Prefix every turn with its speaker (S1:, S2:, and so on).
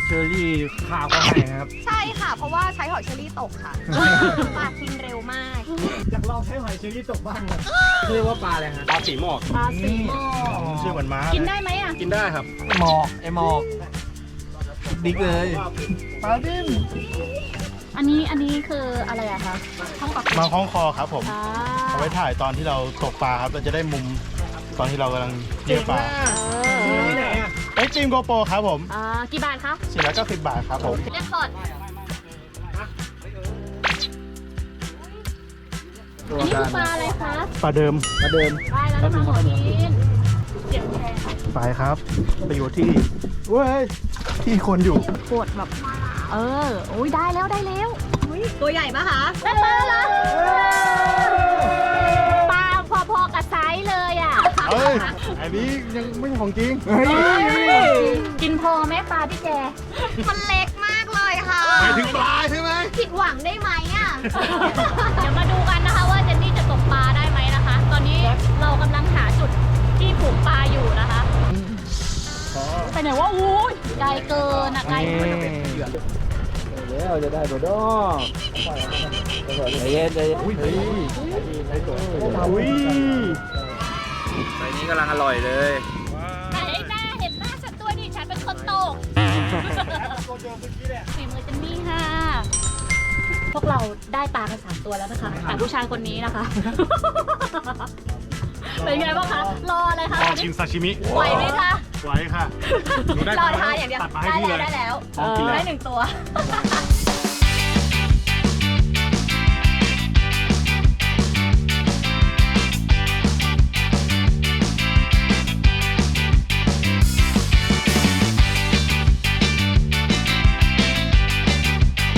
S1: เชอรี่ข้าวก็ให้ครับ
S2: ใช่ค่ะ เพราะว่าใช้หอยเชอรี่ตกค่ะปลากินเร็วมาก
S1: อยากลองใช้หอยเชอรี่ตกบ้างเลยเรียกว่าปลาอะไรฮะ
S3: ปลาสีหมอก
S2: ปลาสีหมอก
S3: ชื่อเหมือนม้า
S2: กินได้ไหมอ่ะ
S3: กินได้ครับ
S1: หมอกไอหมอกดิ๊กเลยปลาดิ้น
S2: อันนี้คืออะไรอะคะห้องปรับ
S3: มาคล้องคอครับผม
S2: อ่า
S3: เอาไว้ถ่ายตอนที่เราตกปลาครับเราจะได้มุมตอนที่เรากำลังเลี้ยงปลา
S1: ที่ไหนอ่ะ
S3: เอ็กซ์ตรีมโกโปรครับผม
S2: กี่บาทคะ
S3: 490 บาทครับผม
S2: เรียกสด
S1: ตัว
S2: อันนี้
S1: กา
S2: คือปลาร อะไรคะ
S3: ปลาเดิม
S1: มาเดิน
S2: ได้แล้วนะคะหมอนินเจ็บแทน
S3: ไปครับ ไปอยู่ที่เว้ยที่คนอยู่
S2: ปวดแบบ โอ้ยได้แล้วตัวใหญ่ปะคะได้ปลาเหรอปลาพอๆกับไซส์เลยอ่ะ
S3: เอ้ยอันนี้ยังไม่ใช่ของจริง
S2: กินพอไหมปลาพี่แก มันเล็กมากเลยค่ะ
S3: หมายถึงปลาใช่ไหม
S2: ผิดหวังได้ไหมอ่ะ เดี๋ยวมาดูกันนะคะว่าเจนนี่จะตกปลาได้ไหมนะคะ ตอนนี้เรากำลังหาจุดที่ผูกปลาอยู่นะคะไปไหนว่าอู้ยไกลเกินอ่ะไกล
S1: แล้วจะได้ตัวดอกใจเย็นใจเย็นอุ้ย
S3: อุ้ย
S1: ใบนี้กำลังอร่อยเลย
S2: ไหนหน้าเห็นหน้าฉันตัวดิฉันเป็นคนตกฝีมือเจนนี่ค่ะ พวกเราได้ปลากัน3 ตัวแล้วนะคะ แต่ผู้ชายคนนี้นะคะ เป็นไงบ้างคะ รออะไรคะ
S3: ลองกินซาชิมิ
S2: ไหวไหมคะ
S3: ไหวค่ะ
S2: รอทานอย่างเดียว
S3: ตัดมาให้พี่เลย
S2: ได้แล้ว
S3: พร้อมกินแล้ว
S2: ได้1 ตัว